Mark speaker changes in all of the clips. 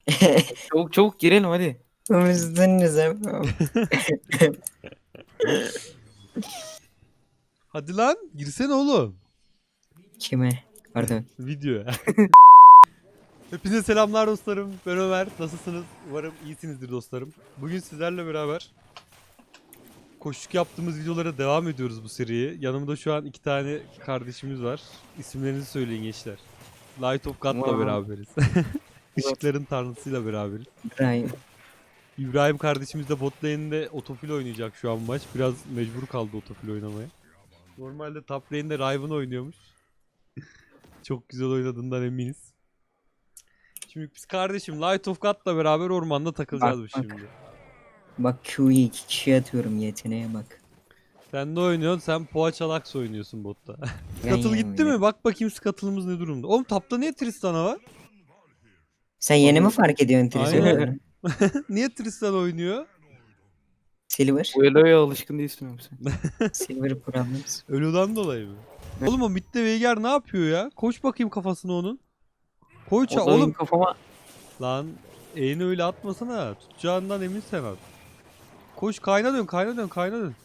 Speaker 1: Çabuk çabuk girelim hadi.
Speaker 2: Üzdünüz.
Speaker 3: Hadi lan girsene oğlum.
Speaker 2: Kime? Pardon.
Speaker 3: Videoya. Hepinize selamlar dostlarım. Ben Ömer. Nasılsınız? Umarım iyisinizdir dostlarım. Bugün sizlerle beraber koşuk yaptığımız videolara devam ediyoruz bu seriye. Yanımda şu an iki tane kardeşimiz var. İsimlerinizi söyleyin gençler. Light of God'la
Speaker 1: Wow.
Speaker 3: beraberiz. Işıkların tanrısıyla beraberiz.
Speaker 2: İbrahim.
Speaker 3: İbrahim kardeşimiz de bot lane'de otofil oynayacak şu an maç. Biraz mecbur kaldı otofil oynamaya. Normalde top lane'de Riven oynuyormuş. Çok güzel oynadığından eminiz. Şimdi biz kardeşim Light of God'la beraber ormanda takılacağız
Speaker 2: Bak,
Speaker 3: şimdi.
Speaker 2: Bak Q'yu 2 kişiye atıyorum, yeteneğe bak.
Speaker 3: Sen ne oynuyorsun? Sen Poğaçalax oynuyorsun botta.
Speaker 2: Yan
Speaker 3: Scuttle
Speaker 2: yana
Speaker 3: gitti
Speaker 2: oynuyorum.
Speaker 3: mi? Bak bakayım Scuttle'ımız ne durumda. Oğlum tapta niye Tristana var?
Speaker 2: Sen yeni mi fark ediyorsun
Speaker 3: Aynen.
Speaker 2: Tristan'ı?
Speaker 3: Niye Tristan oynuyor?
Speaker 2: Silver.
Speaker 1: Bu Elo'ya alışkın değilsin yoksa.
Speaker 2: Silver Problems.
Speaker 3: Ölüden dolayı mı?
Speaker 1: Evet.
Speaker 3: Oğlum o midde Veigar ne yapıyor ya? Koş bakayım kafasına onun. Koy
Speaker 1: O da
Speaker 3: oğlum.
Speaker 1: kafama
Speaker 3: Lan eğini öyle atmasana. Tutacağından emin sen at. Koş kayna dön kayna dön kayna dön.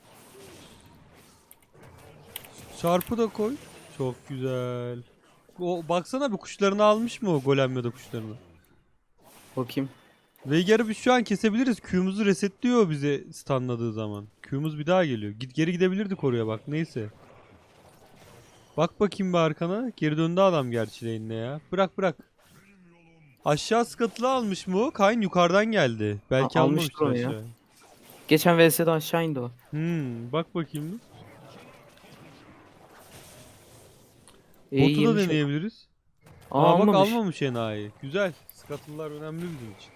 Speaker 3: Çarpı da koy. Çok güzel. O baksana bir kuşlarını almış mı o golem ya da kuşlarını?
Speaker 1: bakayım.
Speaker 3: Veigar'ı biz şu an kesebiliriz. Q'muzu resetliyor bize stunladığı zaman. Q'muz bir daha geliyor. Geri gidebilirdik oraya bak neyse. Bak bakayım bir arkana. Geri döndü adam gerçi lane'ine ya. Bırak bırak. Aşağı Scuttle'ı almış mı o? Kayn yukarıdan geldi. Belki
Speaker 1: Almıştır
Speaker 3: almamıştır
Speaker 1: onu ya.
Speaker 3: aşağı.
Speaker 1: Geçen VS'de aşağı indi o.
Speaker 3: Bak bakayım bir.
Speaker 1: İyi
Speaker 3: Botu da
Speaker 1: yemiş.
Speaker 3: deneyebiliriz.
Speaker 1: Aa,
Speaker 3: Bak
Speaker 1: almamış.
Speaker 3: almamış enayi. Güzel. Scuttle'lar önemli bizim için.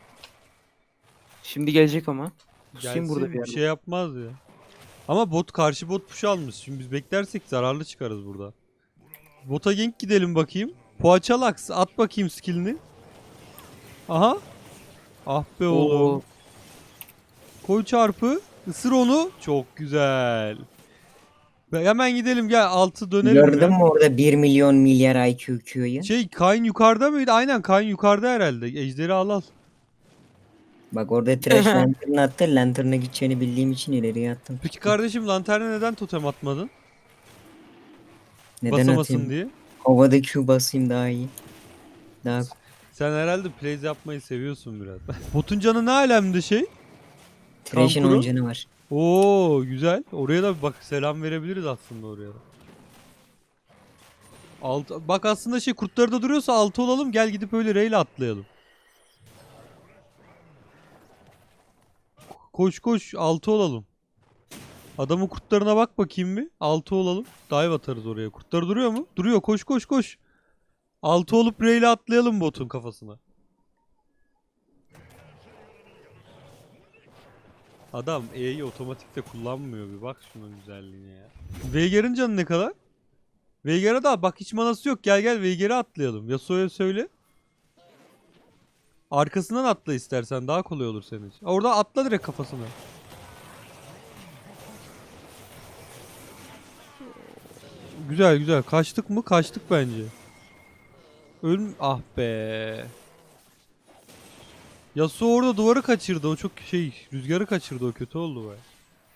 Speaker 1: Şimdi gelecek ama. Pusayım burada bir
Speaker 3: Gelsin bir
Speaker 1: yerde.
Speaker 3: şey yapmaz ya. Ama bot karşı bot push almış. Şimdi biz beklersek zararlı çıkarız burada. Bota gank gidelim bakayım. Poğaçalax at bakayım skillini. Aha. Ah be oğlum.
Speaker 1: Oo,
Speaker 3: Koy çarpı. Isır onu. Çok güzel. Hemen gidelim gel altı dönelim
Speaker 2: Gördün
Speaker 3: ya.
Speaker 2: mü orada 1 milyon milyar IQ Q'yu?
Speaker 3: Şey Kayn yukarıda mıydı? Aynen Kayn yukarıda herhalde. Ejderi al al.
Speaker 2: Bak orada Trash Lantern attı. Lantern'a gideceğini bildiğim için ileriye attım.
Speaker 3: Peki kardeşim lanterna neden totem atmadın?
Speaker 2: Neden
Speaker 3: Basamasın
Speaker 2: atayım?
Speaker 3: diye.
Speaker 2: Havada Q basayım daha iyi. Daha
Speaker 3: Sen herhalde plays yapmayı seviyorsun biraz. Botun canı ne alemde şey?
Speaker 2: Trash'in
Speaker 3: Kankuru.
Speaker 2: 10 canı var.
Speaker 3: Oo güzel. Oraya da bak selam verebiliriz aslında oraya da. Bak aslında şey kurtları da duruyorsa altı olalım gel gidip öyle reyle atlayalım. Koş koş altı olalım. Adamın kurtlarına bak bakayım bir. Altı olalım. Dive atarız oraya. Kurtları duruyor mu? Duruyor. Koş koş koş. Altı olup reyle atlayalım botun kafasına. Adam E'yi otomatikte kullanmıyor bir bak şunun güzelliğine ya. Veigar'ın canı ne kadar? Veigar'a da bak hiç manası yok. Gel gel Veigar'a atlayalım. Yasuo'ya söyle. Arkasından atla istersen daha kolay olur senin için. Orada atla direkt kafasına. Güzel güzel. Kaçtık mı? Kaçtık bence. Ah be. Yasuo orada duvarı kaçırdı. O çok şey rüzgarı kaçırdı. O kötü oldu be.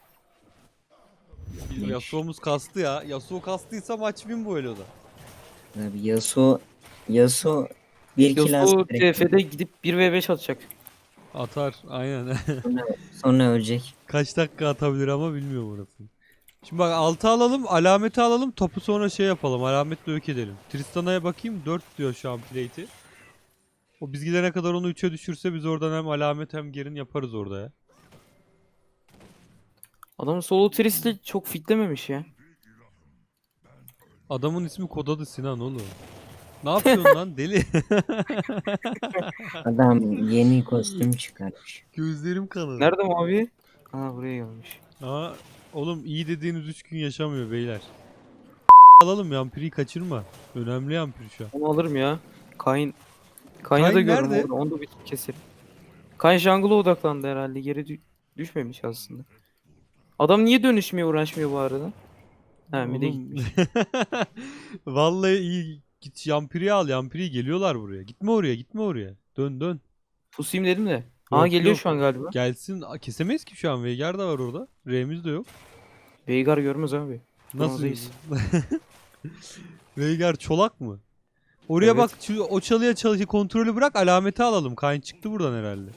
Speaker 2: Leş.
Speaker 3: Yasuo'muz kastı ya. Yasuo kastıysa maç win bu Elo'da.
Speaker 2: Abi Yasuo bir kill alsa
Speaker 1: Yasuo
Speaker 2: direkt
Speaker 1: TF'de gidip 1v5 atacak.
Speaker 3: Atar aynen.
Speaker 2: sonra ölecek.
Speaker 3: Kaç dakika atabilir ama bilmiyorum orasını. Şimdi bak altı alalım, alameti alalım, topu sonra şey yapalım, alametle yok edelim. Tristana'ya bakayım 4 diyor şu an plate'i. O biz gidene kadar onu 3'e düşürse biz oradan hem alamet hem gerin yaparız orada ya.
Speaker 1: Adam solo Trist'i çok fitlememiş ya.
Speaker 3: Adamın ismi kod adı Sinan oğlum. Ne yapıyorsun lan deli?
Speaker 2: Adam yeni kostüm çıkarmış.
Speaker 3: Gözlerim kanadı.
Speaker 1: Nerede mavi? Aa, buraya gelmiş.
Speaker 3: Aa, oğlum iyi dediğiniz 3 gün yaşamıyor beyler. Alalım yampiri kaçırma. Önemli yampir şu an.
Speaker 1: Onu alırım ya. Kayn'a da
Speaker 3: Kayn
Speaker 1: görürüm
Speaker 3: nerede?
Speaker 1: orada. Onu da bir keserim. Kayn jungle'a odaklandı herhalde. Geri düşmemiş aslında. Adam niye dönüşmeye uğraşmıyor bu arada? Ha, bir de
Speaker 3: Oğlum.
Speaker 1: gitmiş.
Speaker 3: Vallahi iyi. Git yampiri al. Yampiri geliyorlar buraya. Gitme oraya. Gitme oraya. Dön dön.
Speaker 1: Pusayım dedim de. Aa
Speaker 3: Yok,
Speaker 1: geliyor
Speaker 3: yok.
Speaker 1: şu an galiba.
Speaker 3: Gelsin. Kesemeyiz ki şu an. Veigar da var orada. R'miz de yok.
Speaker 1: Veigar görmez abi.
Speaker 3: Nasıl?
Speaker 1: Bronzdayız.
Speaker 3: Veigar çolak mı? Oraya
Speaker 1: Evet.
Speaker 3: bak, o çalıya kontrolü bırak, alameti alalım. Kayn çıktı buradan herhalde.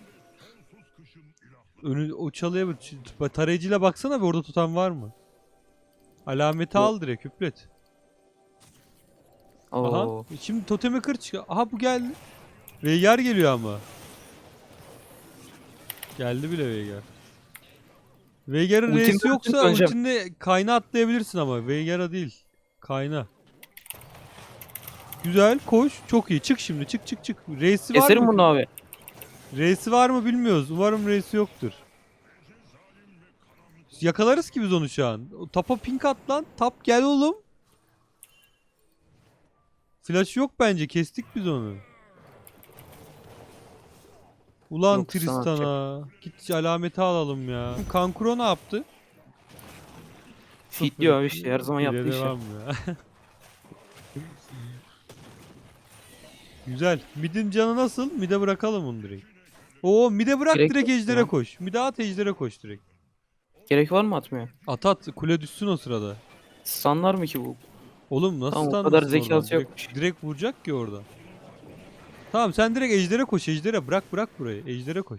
Speaker 3: O çalıya tarayıcıyla baksana bir, orada tutan var mı? Alameti
Speaker 1: Yok.
Speaker 3: al direkt, hüplet. Aha.
Speaker 1: Oo.
Speaker 3: Şimdi totemi kır çık. Aha bu geldi. Veigar geliyor ama. Geldi bile Veigar. Veigar'ın
Speaker 1: Ultim
Speaker 3: R'si yoksa
Speaker 1: döneceğim.
Speaker 3: ultinle Kayn'a atlayabilirsin ama Veigar'a değil. Kayn'a. Güzel, koş. Çok iyi. Çık şimdi. Çık çık çık. R'si var
Speaker 1: Keserim
Speaker 3: mı?
Speaker 1: bunu abi.
Speaker 3: R'si var mı bilmiyoruz. Umarım R'si yoktur. Yakalarız ki biz onu şu an. O tapa pink at lan. Tap gel oğlum. Flash yok bence. Kestik biz onu. Ulan
Speaker 1: Yok, sana
Speaker 3: Tristan'a. Git alameti alalım ya. Kankuro ne yaptı?
Speaker 1: Fit diyor abi işte her zaman
Speaker 3: Bire
Speaker 1: yaptığı işe.
Speaker 3: devam ya. Güzel. Mid'in canı nasıl? Mid'e bırakalım onu direkt. Oo, mid'e bırak,
Speaker 1: Gerek
Speaker 3: direkt
Speaker 1: yok
Speaker 3: ejdere
Speaker 1: ya.
Speaker 3: koş. Mid'e at, ejdere koş direkt.
Speaker 1: Gerek var mı atmaya?
Speaker 3: At at, kule düşsün o sırada.
Speaker 1: Sanlar mı ki bu?
Speaker 3: Oğlum nasıl
Speaker 1: Tamam, o
Speaker 3: standırsın
Speaker 1: kadar
Speaker 3: oradan?
Speaker 1: zekası
Speaker 3: Direkt,
Speaker 1: yokmuş.
Speaker 3: direkt vuracak ki orada. Tamam, sen direkt ejdere koş, ejdere. Bırak burayı. Ejdere koş.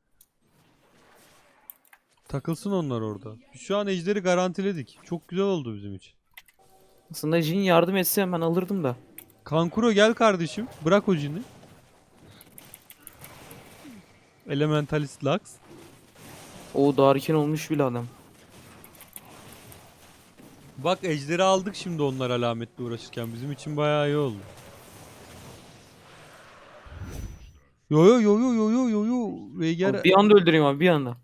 Speaker 3: Takılsın onlar orada. Şu an ejderi garantiledik. Çok güzel oldu bizim için.
Speaker 1: Aslında Jin yardım etse hemen alırdım da.
Speaker 3: Kankuro gel kardeşim. Bırak o cini. Elementalist Lux.
Speaker 1: O Darkin olmuş bile adam.
Speaker 3: Bak ejderi aldık şimdi onlar alametle uğraşırken. Bizim için bayağı iyi oldu. Yo yo yo yo yo yo yo yo. Veigar
Speaker 1: Abi bir anda öldüreyim abi bir anda.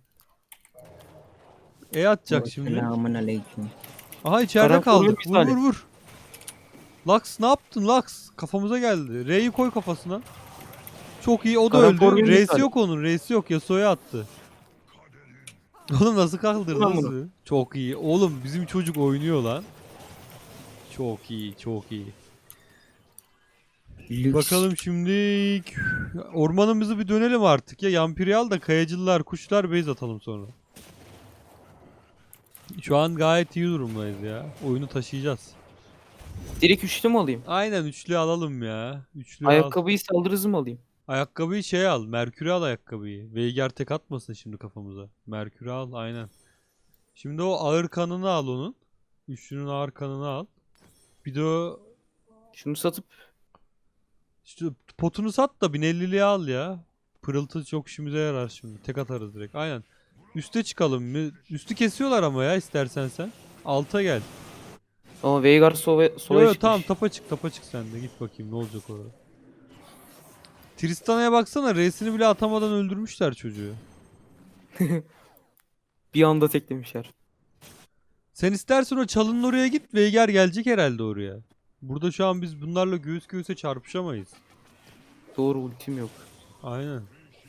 Speaker 3: atacak şimdi.
Speaker 2: Selamun aleyküm.
Speaker 3: Aha, içeride
Speaker 1: Karan
Speaker 3: kaldı.
Speaker 1: koruyor
Speaker 3: Vur
Speaker 1: misali.
Speaker 3: vur vur. Lux ne yaptın Lux? Kafamıza geldi. R'yi koy kafasına. Çok iyi, o da
Speaker 1: Karan
Speaker 3: öldü.
Speaker 1: koruyor
Speaker 3: R'si
Speaker 1: misali.
Speaker 3: yok onun. R'si yok. Yasuo'ya attı. Oğlum nasıl kaldırdı
Speaker 1: Ulan bunu.
Speaker 3: nasıl? Çok iyi. Oğlum bizim çocuk oynuyor lan. Çok iyi, çok iyi.
Speaker 2: Lüks.
Speaker 3: Bakalım şimdi ormanımızı bir dönelim artık ya. Yampirial da kayacılar, kuşlar base atalım sonra. Şu an gayet iyi durumdayız ya. Oyunu taşıyacağız.
Speaker 1: Direkt üçlü mü alayım?
Speaker 3: Aynen, üçlü alalım ya. Üçlü al.
Speaker 1: Ayakkabıyı saldırı hızı mı alayım?
Speaker 3: Ayakkabıyı şey al. Merkür'ü al ayakkabıyı. Veigar tek atmasın şimdi kafamıza. Merkür'ü al aynen. Şimdi o ağır kanını al onun. Üçlünün ağır kanını al. Bir de o
Speaker 1: Şunu satıp
Speaker 3: işte potunu sat da 1050'liği al ya. Pırıltı çok işimize yarar şimdi. Tek atarız direkt. Aynen. Üste çıkalım mı? Üstü kesiyorlar ama ya, istersen sen. Alta gel.
Speaker 1: ama Veigar sola
Speaker 3: Yo yo,
Speaker 1: çıkmış.
Speaker 3: tamam, tapa çık sen de. Git bakayım ne olacak orada. Tristana'ya baksana, R'sini bile atamadan öldürmüşler çocuğu.
Speaker 1: Bir anda teklemişler.
Speaker 3: Sen istersen o çalının oraya git. Veigar gelecek herhalde oraya. Burada şu an biz bunlarla göğüs göğüse çarpışamayız.
Speaker 1: Doğru ultim yok.
Speaker 3: Aynen.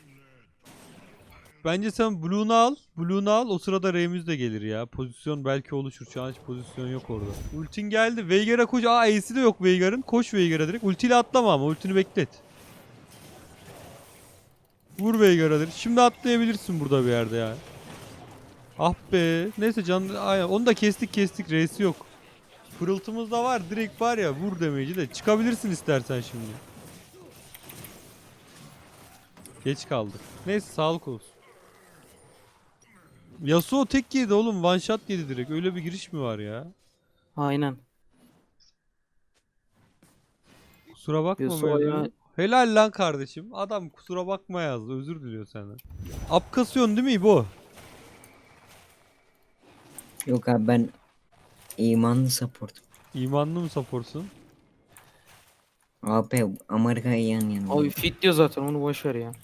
Speaker 3: Bence sen Blue'nu al. Blue'nu al. O sırada R'miz de gelir ya. Pozisyon belki oluşur. Şu an hiç pozisyon yok orada. Ultin geldi. Veigar'a koş. Aa, Ace'i de yok Veigar'ın. Koş Veigar'a direkt. Ultiyle atlama ama. Ultini beklet. Vur Veigar'a direkt. Şimdi atlayabilirsin burada bir yerde ya. Ah be. Neyse can. Aynen. Onu da kestik. R'si yok. Pırıltımız da var. Direkt var ya. Vur damage'i de. Çıkabilirsin istersen şimdi. Geç kaldık. Neyse sağlık olsun. Yasuo tek yedi oğlum. One shot yedi direkt. Öyle bir giriş mi var ya?
Speaker 1: Aynen.
Speaker 3: Kusura bakma
Speaker 1: Yasuo
Speaker 3: Mevzu.
Speaker 1: ya-
Speaker 3: Helal lan kardeşim. Adam kusura bakma yazdı. Özür diliyor senden. Up kasıyorsun değil mi İbo?
Speaker 2: Yok abi, ben imanlı support.
Speaker 3: İmanlı mı supportsun?
Speaker 2: AP Amerika'ya yan yana.
Speaker 1: Abi fit diyor zaten onu boş ver ya.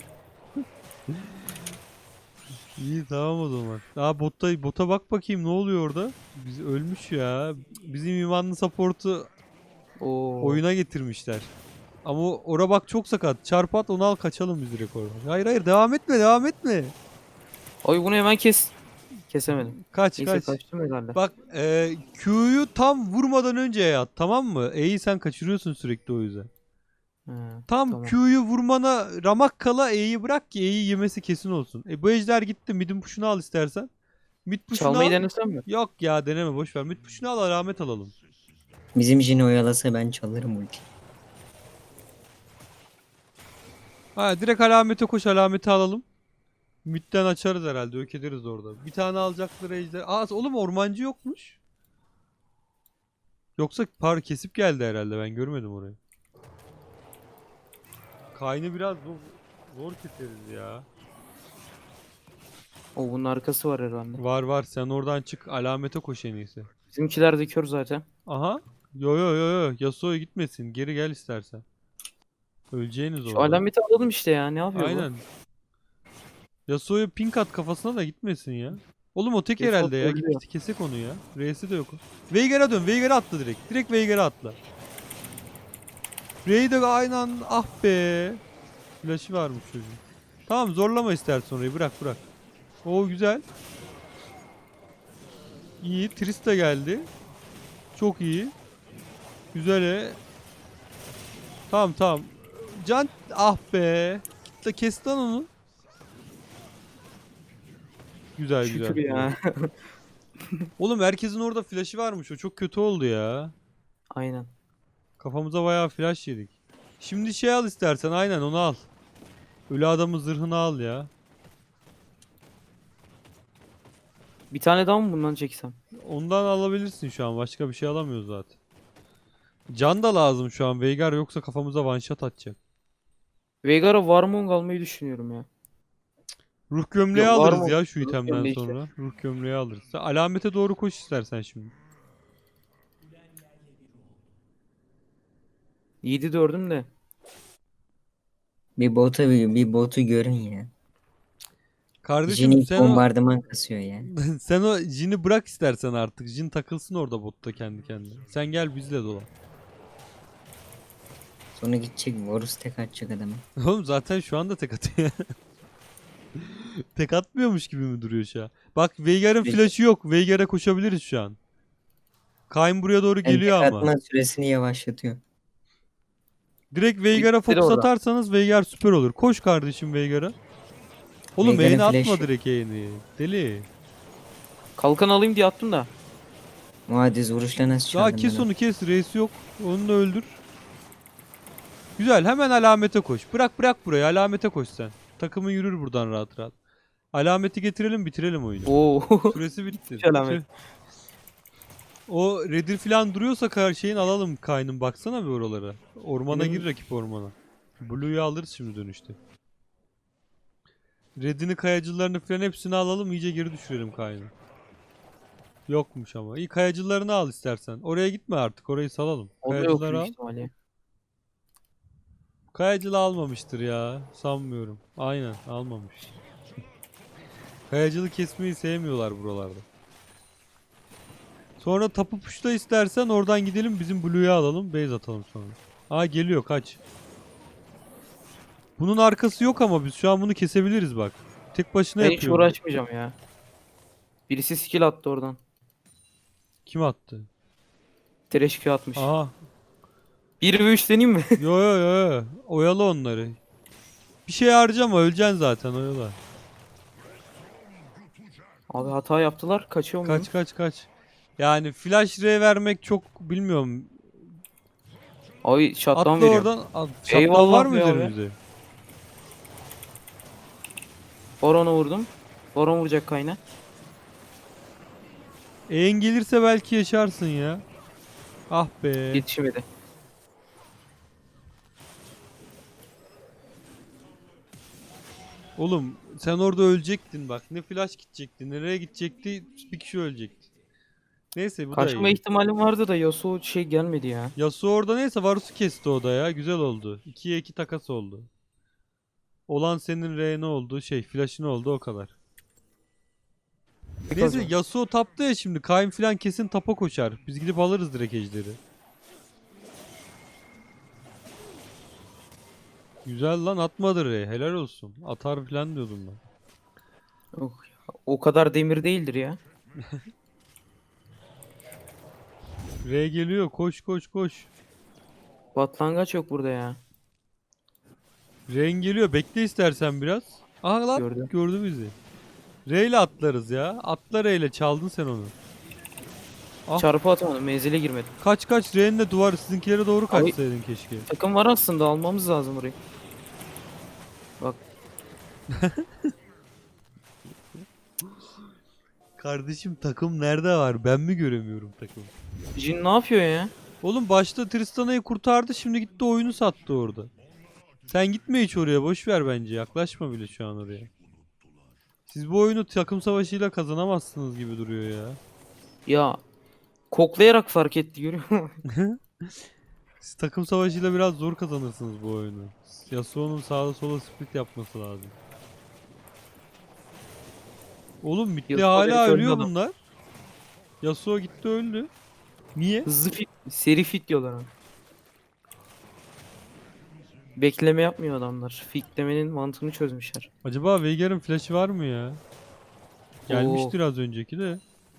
Speaker 3: İyi tamam o zaman. Aa, bota bak bakayım ne oluyor orada? Biz ölmüş ya. Bizim imanlı support'u
Speaker 1: Oo.
Speaker 3: oyuna getirmişler. Ama ora bak çok sakat. Çarp at, onu al, kaçalım biz direkt oradan. Hayır devam etme.
Speaker 1: Abi bunu hemen kes. Kesemedim.
Speaker 3: Kaç
Speaker 1: Neyse
Speaker 3: kaç.
Speaker 1: kaçtım herhalde.
Speaker 3: Bak Q'yu tam vurmadan önce at, tamam mı? E'yi sen kaçırıyorsun sürekli o yüzden.
Speaker 1: Ha,
Speaker 3: Tam
Speaker 1: tamam.
Speaker 3: Q'yu vurmana ramak kala E'yi bırak ki E'yi yemesi kesin olsun. Bu ejder gitti. Mid'in puşunu al istersen. Mid puşunu
Speaker 1: Çalmayı
Speaker 3: al.
Speaker 1: denesem mi?
Speaker 3: Yok ya deneme boş ver. Mid puşunu al alamet alalım.
Speaker 2: Bizim Jin oyalasa ben çalarım ulti.
Speaker 3: Ha direkt alamete koş alameti alalım. Mid'den açarız herhalde. Ök ederiz orada. Bir tane alacakları ejder. Aa oğlum ormancı yokmuş. Yoksa kesip geldi herhalde. Ben görmedim orayı. Kaynı biraz zor keseriz ya.
Speaker 1: O bunun arkası var herhalde.
Speaker 3: Var var sen oradan çık alamete koş en iyisi.
Speaker 1: Bizimkiler de kör zaten.
Speaker 3: Aha. Yo yo yo yo. Yasuo'ya gitmesin. Geri gel istersen. Öleceğiniz
Speaker 1: Şu
Speaker 3: orada.
Speaker 1: alameti alalım işte ya. Ne yapıyor
Speaker 3: Aynen. Yasuo'ya pink at kafasına da gitmesin ya. Oğlum o tek
Speaker 1: Yasuo
Speaker 3: herhalde ya.
Speaker 1: trollüyor.
Speaker 3: Git kesek onu ya. R'si de yok. Veigar'a dön. Veigar'a atla direkt. Direkt Veigar'a atla. R'yi de aynı anda ah be. Flash'ı varmış çocuğun. Tamam zorlama istersen orayı. Bırak bırak. Oo güzel. İyi. Trista geldi. Çok iyi. Güzel. Tamam tamam. Can ah be. Git de kes lan onu. Güzel
Speaker 1: Şükür
Speaker 3: güzel.
Speaker 1: ya.
Speaker 3: Oğlum herkesin orada flash'ı varmış. O çok kötü oldu ya.
Speaker 1: Aynen.
Speaker 3: Kafamıza bayağı flash yedik. Şimdi şey al istersen aynen onu al. Ölü adamın zırhını al ya.
Speaker 1: Bir tane daha mı bundan çeksem?
Speaker 3: Ondan alabilirsin şu an. Başka bir şey alamıyoruz zaten. Can da lazım şu an. Veigar yoksa kafamıza one shot atacak.
Speaker 1: Veigar'a Warmong almayı düşünüyorum ya.
Speaker 3: Ruh gömleği
Speaker 1: Yok, var
Speaker 3: alırız
Speaker 1: mı?
Speaker 3: ya şu
Speaker 1: Ruh
Speaker 3: itemden
Speaker 1: gömleği
Speaker 3: sonra. Ruh gömleği alırız. Sen alamete doğru koş istersen şimdi.
Speaker 1: 7-4'üm de.
Speaker 2: Bir botu görün ya.
Speaker 3: Kardeşim
Speaker 2: Jin
Speaker 3: sen o
Speaker 2: bombardıman kasıyor ya.
Speaker 3: sen o Jin'i bırak istersen artık. Jin takılsın orada botta kendi kendine. Sen gel bizle dolan.
Speaker 2: Sonra gidecek Varus tek atacak adamı.
Speaker 3: Oğlum zaten şu anda tek atıyor. Tek atmıyormuş gibi mi duruyor şu an? Bak Veigar'ın
Speaker 2: Peki.
Speaker 3: flash'ı yok. Veigar'a koşabiliriz şu an. Kayn buraya doğru
Speaker 2: Yani
Speaker 3: geliyor
Speaker 2: tek
Speaker 3: ama.
Speaker 2: atma süresini yavaşlatıyor.
Speaker 3: Direkt Veigar'a
Speaker 1: Bitti de
Speaker 3: fokus
Speaker 1: orada.
Speaker 3: atarsanız Veigar süper olur. Koş kardeşim Veigar'a. Oğlum
Speaker 2: Veigar'ın
Speaker 3: E'ni atma
Speaker 2: flash'ı.
Speaker 3: direkt E'ni. Deli.
Speaker 1: Kalkan alayım diye attım da.
Speaker 2: Muaddiz vuruşla nasıl
Speaker 3: Daha
Speaker 2: çaldın
Speaker 3: kes
Speaker 2: ben
Speaker 3: onu kes. Reis yok. Onu da öldür. Güzel hemen alamete koş. Bırak bırak burayı alamete koş sen. Takımı yürür buradan rahat rahat. Alameti getirelim bitirelim oyunu.
Speaker 1: Oo.
Speaker 3: Süresi bitti.
Speaker 1: Hiç alamet.
Speaker 3: O redir falan duruyorsa şeyin alalım Kayn'ın baksana bir oralara. Ormana
Speaker 1: Benim-
Speaker 3: gir rakip ormana. Blue'yu alırız şimdi dönüşte. Red'ini kayacılarını falan hepsini alalım iyice geri düşürelim Kayn'ı. Yokmuş ama. İyi kayacılarını al istersen. Oraya gitme artık orayı salalım.
Speaker 1: O da yok
Speaker 3: Kayacıları
Speaker 1: büyük
Speaker 3: al.
Speaker 1: ihtimalle.
Speaker 3: Kayacılı almamıştır ya. Sanmıyorum. Aynen almamış. Kayacılı kesmeyi sevmiyorlar buralarda. Sonra tapu puşta istersen oradan gidelim bizim Blue'yu alalım. Base atalım sonra. Aa geliyor kaç. Bunun arkası yok ama biz şu an bunu kesebiliriz bak. Tek başına
Speaker 1: Ben hiç
Speaker 3: yapıyor.
Speaker 1: uğraşmayacağım ya. Birisi skill attı oradan.
Speaker 3: Kim attı?
Speaker 1: Trash Q atmış.
Speaker 3: Aha.
Speaker 1: 1 ve 3 deneyeyim mi?
Speaker 3: Yo yo yo yo. Oyalı onları. Bir şey harcama öleceksin zaten oyala.
Speaker 1: Abi hata yaptılar. Kaçıyor mu?
Speaker 3: Kaç kaç kaç. Yani flash R vermek çok bilmiyorum.
Speaker 1: Abi shutdown
Speaker 3: Atla
Speaker 1: veriyor.
Speaker 3: oradan. Shutdown
Speaker 1: Eyvallah
Speaker 3: var mı
Speaker 1: be abi.
Speaker 3: üzerimizde?
Speaker 1: Baron'a vurdum. Baron vuracak kayna.
Speaker 3: En gelirse belki yaşarsın ya. Ah be.
Speaker 1: Yetişemedi.
Speaker 3: Oğlum sen orada ölecektin bak. Ne flash gidecekti, nereye gidecekti, bir kişi ölecekti. Neyse bu da
Speaker 1: Kaçma
Speaker 3: iyi.
Speaker 1: ihtimalim vardı da Yasuo şey gelmedi ya.
Speaker 3: Yasuo orada neyse Varus'u kesti o da ya. Güzel oldu. 2'ye 2 takas oldu. Olan senin ne oldu? Flash'ın oldu o kadar. Neyse
Speaker 1: Kazan.
Speaker 3: Yasuo tapta ya şimdi. Kayn falan kesin tapa koşar. Biz gidip alırız direkt ejderi. Güzel lan atmadı Re. Helal olsun. Atar falan diyordum ben.
Speaker 1: Oh, ya. O kadar demir değildir ya.
Speaker 3: Re geliyor. Koş koş koş.
Speaker 1: Batlangaç yok burada ya.
Speaker 3: Ren geliyor. Bekle istersen biraz. Aha lan
Speaker 1: Gördüm.
Speaker 3: gördü bizi. R ile atlarız ya. Atla R ile, çaldın sen onu. Ah.
Speaker 1: Çarpı atamadım. Menzile girmedim.
Speaker 3: Kaç kaç, Ren'le duvar sizinkilere doğru
Speaker 1: Abi-
Speaker 3: kaçsaydın keşke.
Speaker 1: Takım var aslında. Almamız lazım burayı. Bak.
Speaker 3: Kardeşim takım nerede var? Ben mi göremiyorum takımı?
Speaker 1: Jin ne yapıyor ya?
Speaker 3: Oğlum başta Tristana'yı kurtardı, şimdi gitti oyunu sattı orada. Sen gitme hiç oraya, boş ver bence. Yaklaşma bile şu an oraya. Siz bu oyunu takım savaşıyla kazanamazsınız gibi duruyor ya.
Speaker 1: Ya koklayarak fark etti, görüyor musun?
Speaker 3: Siz takım savaşıyla biraz zor kazanırsınız bu oyunu. Yasuo'nun sağda sola split yapması lazım. Oğlum bitti,
Speaker 1: Yasuo
Speaker 3: hala
Speaker 1: herif öldü
Speaker 3: ölüyor
Speaker 1: adam.
Speaker 3: bunlar. Yasuo gitti öldü. Niye?
Speaker 1: Hızlı fit, seri fit diyorlar ona. Bekleme yapmıyor adamlar. Fitlemenin mantığını çözmüşler.
Speaker 3: Acaba Veigar'ın flash'ı var mı ya? Gelmiştir az önceki de.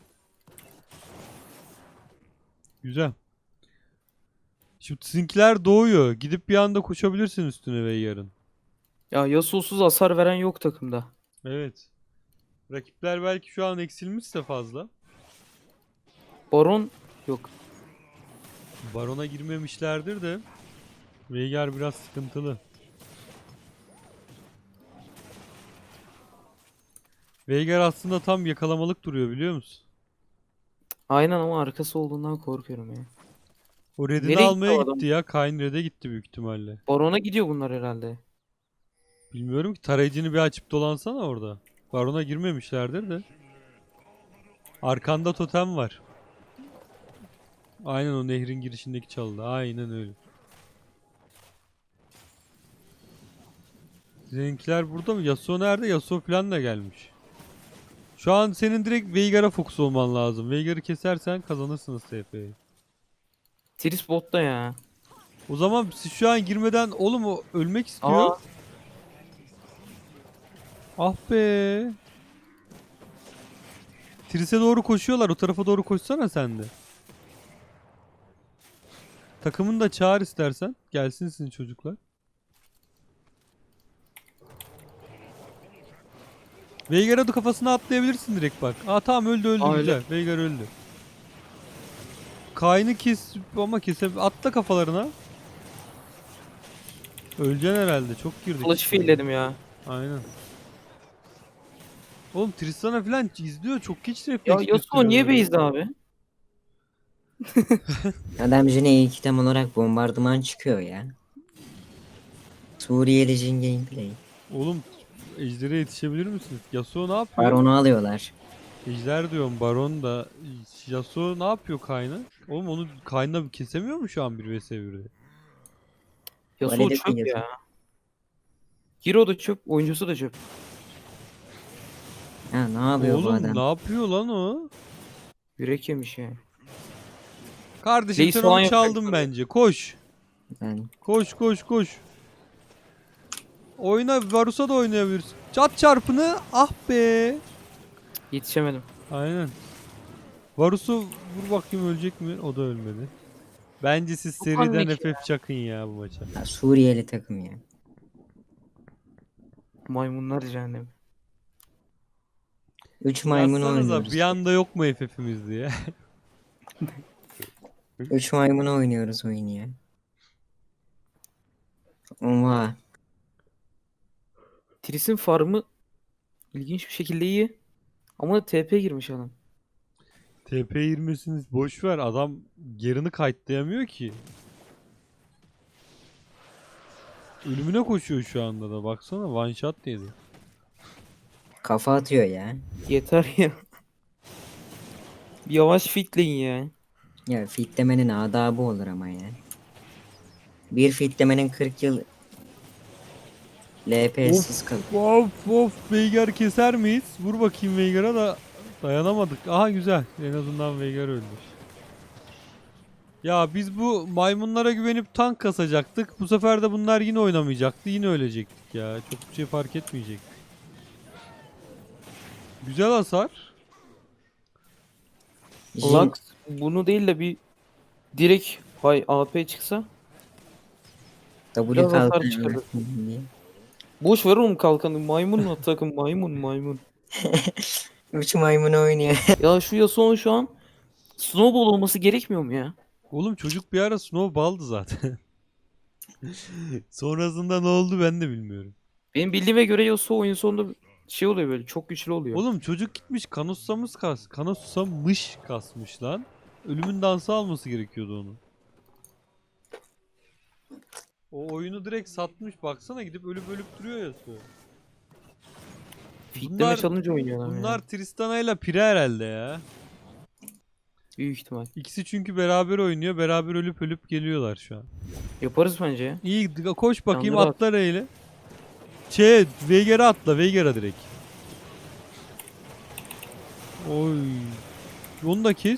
Speaker 3: Güzel. Şimdi sizinkiler doğuyor. Gidip bir anda koşabilirsin üstüne Veigar'ın.
Speaker 1: Ya Yasuo'suz hasar veren yok takımda.
Speaker 3: Evet. Rakipler belki şu an eksilmişse fazla.
Speaker 1: Baron yok.
Speaker 3: Baron'a girmemişlerdir de. Veigar biraz sıkıntılı. Veigar aslında tam yakalamalık duruyor, biliyor musun?
Speaker 1: Aynen ama arkası olduğundan korkuyorum ya.
Speaker 3: O redini
Speaker 1: Nereye gitti
Speaker 3: almaya
Speaker 1: o adam?
Speaker 3: gitti ya. Kayn red'e gitti büyük ihtimalle.
Speaker 1: Baron'a gidiyor bunlar herhalde.
Speaker 3: Bilmiyorum ki, tarayıcını bir açıp dolansana orada. Baron'a girmemişlerdir de. Arkanda totem var. Aynen o nehrin girişindeki çalıda. Aynen öyle. Seninkiler burada mı? Yasuo nerede? Yasuo falan da gelmiş. Şu an senin direkt Veigar'a fokus olman lazım. Veigar'ı kesersen kazanırsınız TF'yi.
Speaker 1: Tris botta ya.
Speaker 3: O zaman siz şu an girmeden, oğlum o ölmek istiyor.
Speaker 1: Aa,
Speaker 3: Ah be. Tris'e doğru koşuyorlar. O tarafa doğru koşsana sen de. Takımını da çağır istersen. Gelsin sizin çocuklar. Veigar'a da kafasına atlayabilirsin direkt bak. Aa tamam, öldü öldü,
Speaker 1: Aa,
Speaker 3: güzel. Veigar öldü. Kayn'ı kes ama atla kafalarına. Öleceksin herhalde. Çok girdik.
Speaker 1: kılıç filledim ya.
Speaker 3: Aynen. Oğlum Tristana falan izliyor. Çok geç
Speaker 1: Ya
Speaker 3: refleks
Speaker 1: Yasuo niye
Speaker 3: gösteriyorlar.
Speaker 1: base'de abi?
Speaker 2: Adam Jin'e ilk item olarak bombardıman çıkıyor ya. Suriyeli Jin gameplay.
Speaker 3: Oğlum Ejder'e yetişebilir misiniz? Yasuo ne yapıyor?
Speaker 2: Baron'u alıyorlar.
Speaker 3: Ejder diyorum, Baron da. Yasuo ne yapıyor Kayn'a? Oğlum onu Kayn'la kesemiyor mu şu an 1vs1'de?
Speaker 1: Yasuo
Speaker 2: Valide
Speaker 1: çöp
Speaker 2: Yasuo.
Speaker 1: ya. Hero da çöp, oyuncusu da çöp.
Speaker 2: Ha ne yapıyor bu
Speaker 3: Oğlum
Speaker 2: adam?
Speaker 3: ne yapıyor lan o?
Speaker 1: Yürek yemiş ya.
Speaker 3: Kardeşim
Speaker 1: Reis
Speaker 3: sen
Speaker 1: falan
Speaker 3: onu
Speaker 1: yapacak
Speaker 3: çaldın
Speaker 1: tabii.
Speaker 3: bence. Koş.
Speaker 2: Ben
Speaker 3: Koş koş koş. Oyna, Varus'a da oynayabilirsin. Çat çarpını, ah be.
Speaker 1: Yetişemedim.
Speaker 3: Aynen. Varus'u vur bakayım, ölecek mi? O da ölmedi. Bence siz
Speaker 1: Çok
Speaker 3: seriden
Speaker 1: anlık
Speaker 3: FF çakın ya bu maça.
Speaker 2: ha, Suriyeli takım ya.
Speaker 1: Maymunlar cehennemi.
Speaker 2: 3 maymun
Speaker 3: Yazsanıza
Speaker 2: oynuyoruz.
Speaker 3: bir anda yok mu FF'imiz diye.
Speaker 2: 3 maymun oynuyoruz oyunu ya. Oha.
Speaker 1: Tris'in farmı ilginç bir şekilde iyi. Ama TP girmiş adam.
Speaker 3: TP 20'siniz boş ver, adam gerini kayıtlayamıyor ki. Ölümüne koşuyor şu anda da, baksana one shot yedi.
Speaker 2: Kafa atıyor ya.
Speaker 1: Yeter ya. Bir yavaş fitleyin ya.
Speaker 2: Ya fitlemenin adabı olur ama ya. Bir fitlemenin 40 yıl LP'siz kalır.
Speaker 3: Of of, Veigar keser miyiz? Vur bakayım Veigar'a da, dayanamadık. Aha güzel, en azından Veigar öldü. Ya biz bu maymunlara güvenip tank kasacaktık. Bu sefer de bunlar yine oynamayacaktı. Yine ölecektik ya. Çok bir şey fark etmeyecek. Güzel hasar.
Speaker 2: Jin,
Speaker 1: Lux bunu değil de bir direkt hay AP çıksa
Speaker 2: W
Speaker 1: biraz hasar
Speaker 2: kalkan
Speaker 1: çıkarır.
Speaker 2: diye.
Speaker 1: Boş ver oğlum kalkanı. Maymun mu takım? Maymun maymun.
Speaker 2: Üç maymunu oynuyor.
Speaker 1: Ya şu Yasuo'nun şu an snowball olması gerekmiyor mu ya?
Speaker 3: Oğlum çocuk bir ara snowball'dı zaten. Sonrasında ne oldu ben de bilmiyorum.
Speaker 1: Benim bildiğime göre Yasuo oyun sonunda şey oluyor böyle çok güçlü oluyor.
Speaker 3: Oğlum çocuk gitmiş Kanosusamış kasmış lan. Ölümün dansı alması gerekiyordu onu. O oyunu direkt satmış. Baksana gidip ölüp ölüp duruyor Yasuo.
Speaker 1: Fitleme
Speaker 3: Bunlar
Speaker 1: challenge oynuyor adam
Speaker 3: bunlar
Speaker 1: ya.
Speaker 3: Tristana ile Pire herhalde ya.
Speaker 1: Büyük ihtimal.
Speaker 3: İkisi çünkü beraber oynuyor. Beraber ölüp ölüp geliyorlar şu an.
Speaker 1: Yaparız bence ya.
Speaker 3: İyi koş bakayım
Speaker 1: Yandıra at.
Speaker 3: atla R'yle. Veigar'a atla Veigar'a direkt. Oy. Onu da kes.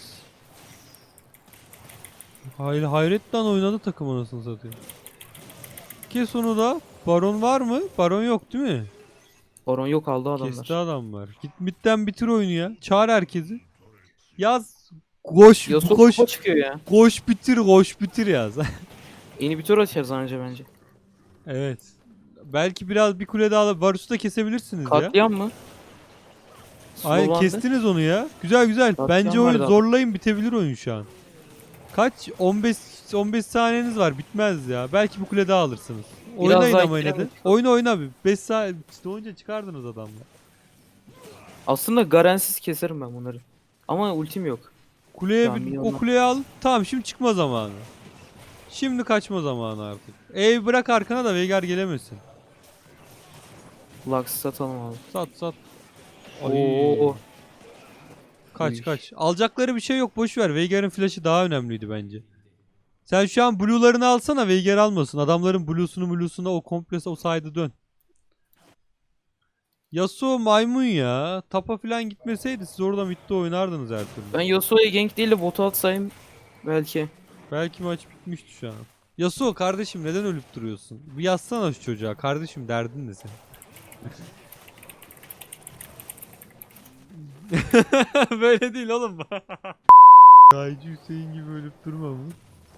Speaker 3: Hayretle oynadı takım anasını satayım. Kes onu da. Baron var mı? Baron yok değil mi?
Speaker 1: Baron yok aldı adamlar.
Speaker 3: Kesti adam var. Git midden bitir oyunu ya. Çağır herkesi. Yaz. Koş
Speaker 1: Yasuo
Speaker 3: koş.
Speaker 1: topa çıkıyor ya.
Speaker 3: Koş bitir yaz.
Speaker 1: İnhibitör açarız anca bence.
Speaker 3: Evet. Belki biraz bir kule daha alıp Varus'u da kesebilirsiniz ya.
Speaker 1: Katliam mı?
Speaker 3: Ay
Speaker 1: Slowlandı.
Speaker 3: kestiniz onu ya. Güzel.
Speaker 1: Katliam
Speaker 3: Bence oyun
Speaker 1: vardı abi.
Speaker 3: zorlayın bitebilir oyun şu an. Kaç? 15 saniyeniz var. Bitmez ya. Belki bir kule daha alırsınız.
Speaker 1: Biraz
Speaker 3: Oynayın
Speaker 1: daha
Speaker 3: ama yine de.
Speaker 1: ittirelim.
Speaker 3: Oyna bir. 5 saat önce çıkardınız adamla.
Speaker 1: Aslında garansiz keserim ben bunları. Ama ultim yok.
Speaker 3: Kuleye
Speaker 1: Tamam, iyi
Speaker 3: o
Speaker 1: olmaz.
Speaker 3: kuleyi al. Tamam şimdi çıkma zamanı. Şimdi kaçma zamanı artık. Bırak arkana da Veigar gelemesin.
Speaker 1: Lux satalım abi.
Speaker 3: Sat. Ay.
Speaker 1: Oo. Uy.
Speaker 3: Kaç. Alacakları bir şey yok. Boş ver. Veigar'ın flash'ı daha önemliydi bence. Sen şu an blue'larını alsana. Veigar almasın. Adamların blue'suna o komple o side'ı dön. Yasuo maymun ya. Tapa falan gitmeseydi siz orada midde oynardınız her türlü.
Speaker 1: Ben Yasuo'ya gank değil de bot atsayım belki.
Speaker 3: Belki maç bitmişti şu an. Yasuo kardeşim neden ölüp duruyorsun? Bir yazsana şu çocuğa. Kardeşim derdin ne senin? Böyle değil oğlum. Kaycı Hüseyin gibi ölüp durma mı?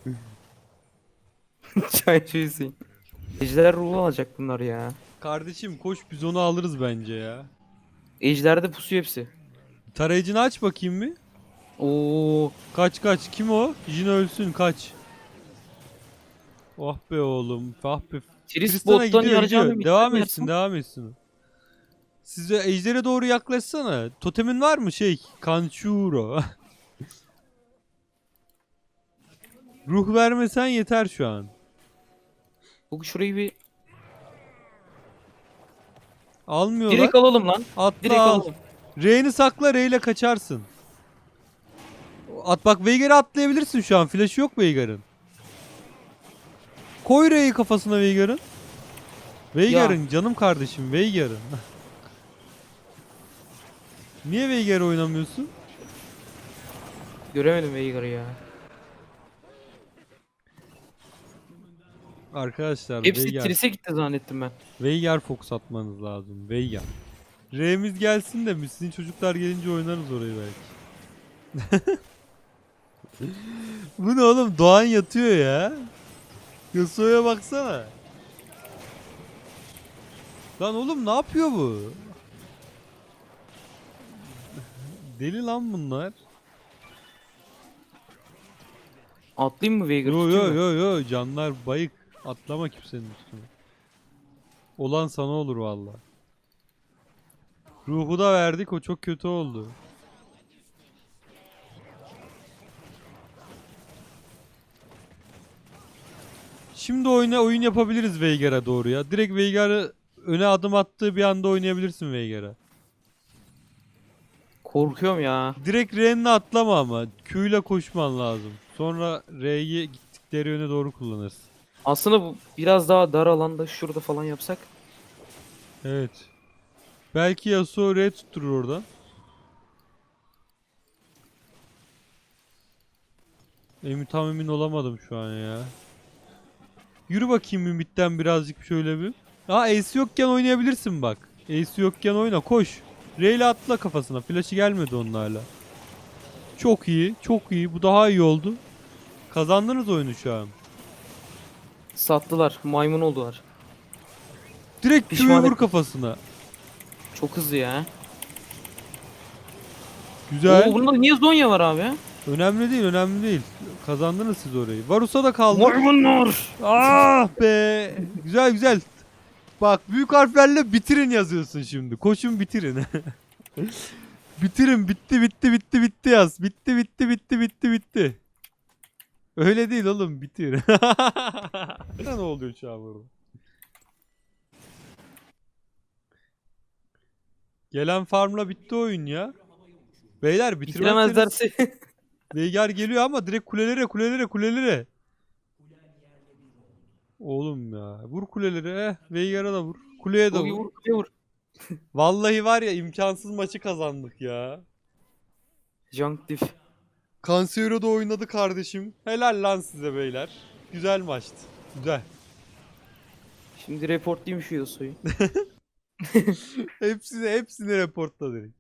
Speaker 1: Çaycı Hüseyin. Ejder ruhu alacak bunlar ya.
Speaker 3: Kardeşim koş biz onu alırız bence ya.
Speaker 1: Ejder'de pusuyor hepsi.
Speaker 3: Tarayıcını aç bakayım bir.
Speaker 1: Oo.
Speaker 3: Kaç. Kim o? Jin ölsün kaç. Oh be oğlum. Ah be.
Speaker 1: Tris
Speaker 3: Tristan'a
Speaker 1: bottan
Speaker 3: gidiyor.
Speaker 1: yarayacağını
Speaker 3: Devam etsin. Size ejdere doğru yaklaşsana. Totemin var mı Kanchuro. Ruh vermesen yeter şu an.
Speaker 1: Bu şurayı bir
Speaker 3: Almıyorlar.
Speaker 1: direkt alalım lan.
Speaker 3: Atla
Speaker 1: Direkt
Speaker 3: al.
Speaker 1: alalım.
Speaker 3: R'ni sakla R ile kaçarsın. Bak Veigar'ı atlayabilirsin şu an. Flash'ı yok Veigar'ın. Koy R'yi kafasına Veigar'ın. Veigar'ın canım kardeşim Veigar'ın. Niye Veigar oynamıyorsun?
Speaker 1: Göremedim Veigar'ı ya.
Speaker 3: Arkadaşlar
Speaker 1: Hepsi Tris'e gitti zannettim ben.
Speaker 3: Veigar fokus atmanız lazım. Veigar. R'miz gelsin de sizin çocuklar gelince oynarız orayı belki. Bu ne oğlum? Doğan yatıyor ya. Yasuo'ya baksana. Lan oğlum ne yapıyor bu? Deli lan bunlar.
Speaker 1: Atlayayım mı Veigar'ı?
Speaker 3: Yo
Speaker 1: tutayım mı?
Speaker 3: yo canlar bayık. Atlama kimsenin üstüne. Olan sana olur valla. Ruhu da verdik o çok kötü oldu. Şimdi oyun yapabiliriz Veigar'a doğru ya. Direkt Veigar'ı öne adım attığı bir anda oynayabilirsin Veigar'a.
Speaker 1: Korkuyorum ya.
Speaker 3: Direkt R'ne atlama ama. Q ile koşman lazım. Sonra R'yi gittikleri yöne doğru kullanırsın.
Speaker 1: Aslında bu biraz daha dar alanda şurada falan yapsak.
Speaker 3: Evet. Belki Yasuo R tutturur oradan. Tam emin olamadım şu an ya. Yürü bakayım Ümit'ten birazcık şöyle bir. Ace yokken oynayabilirsin bak. Ace yokken oyna koş. R ile atla kafasına. Flash'ı gelmedi onun hala. Çok iyi. Bu daha iyi oldu. Kazandınız oyunu şu an.
Speaker 1: Sattılar. Maymun oldular.
Speaker 3: Direkt Q'yu
Speaker 1: Pişman
Speaker 3: vur
Speaker 1: ettim.
Speaker 3: kafasına.
Speaker 1: Çok hızlı ya.
Speaker 3: Güzel.
Speaker 1: Oo, bunda niye Zonya var abi?
Speaker 3: Önemli değil, önemli değil. Kazandınız siz orayı. Varus'a da kaldı.
Speaker 1: Maymunlar.
Speaker 3: Ah be. Güzel güzel. Bak büyük harflerle bitirin yazıyorsun şimdi. Koşun bitirin. Bitirin, bitti bitti bitti bitti yaz. Bitti bitti bitti bitti bitti. Öyle değil oğlum, bitir. Ne oluyor şu an burada? Gelen farmla bitti oyun ya. Beyler bitiremezseniz
Speaker 1: Bitiremezlerse.
Speaker 3: Veigar geliyor ama direkt kulelere kulelere kulelere. Oğlum ya vur kulelere. Veigar'a da vur. Kuleye de
Speaker 1: Vur
Speaker 3: vur.
Speaker 1: vur kuleye vur.
Speaker 3: Vallahi var ya imkansız maçı kazandık ya.
Speaker 1: Junk diff.
Speaker 3: Cancero'da oynadı kardeşim. Helal lan size beyler. Güzel maçtı. Güzel.
Speaker 1: Şimdi reportlayayım şu Yasuo'yu.
Speaker 3: Hepsini reportla direkt.